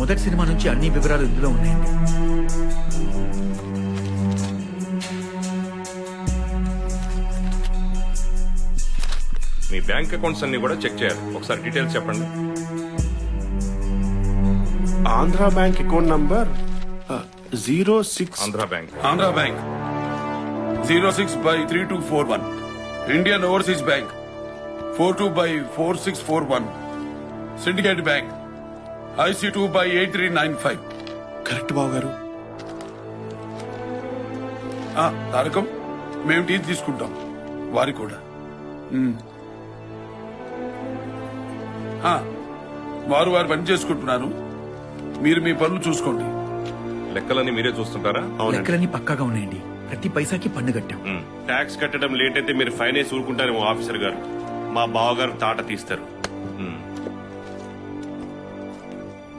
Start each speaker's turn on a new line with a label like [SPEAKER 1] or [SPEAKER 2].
[SPEAKER 1] మొదటి సినిమా నుంచి అన్ని వివరాలు ఇందులో ఉన్నాయండి.
[SPEAKER 2] మీ బ్యాంక్ అకౌంట్స్ అన్ని కూడా చెక్ చేయాలి. ఒకసారి డీటెయిల్స్ చెప్పండి.
[SPEAKER 3] Andhra bank account number 06.
[SPEAKER 2] Andhra bank.
[SPEAKER 4] Andhra Bank 06/3241. Indian Overseas Bank 42/4641. Syndicate Bank IC2/8395.
[SPEAKER 3] Correct బాబు గారు.
[SPEAKER 4] తారకం మేము టీ తీసుకుంటాం, వారి కూడా. వారు పని చేసుకుంటున్నారు, మీరు మీ పనులు చూసుకోండి.
[SPEAKER 2] లెక్కలన్నీ మీరే చూస్తుంటారా?
[SPEAKER 1] లెక్కలన్నీ పక్కాగా ఉన్నాయండి. ప్రతి పైసాకి పన్ను కట్టాం.
[SPEAKER 5] ట్యాక్స్ కట్టడం లేట్ అయితే మీరు ఫైన్ వేసి ఊరుకుంటారేమో ఆఫీసర్ గారు. మా బావగారు తాట తీస్తారు.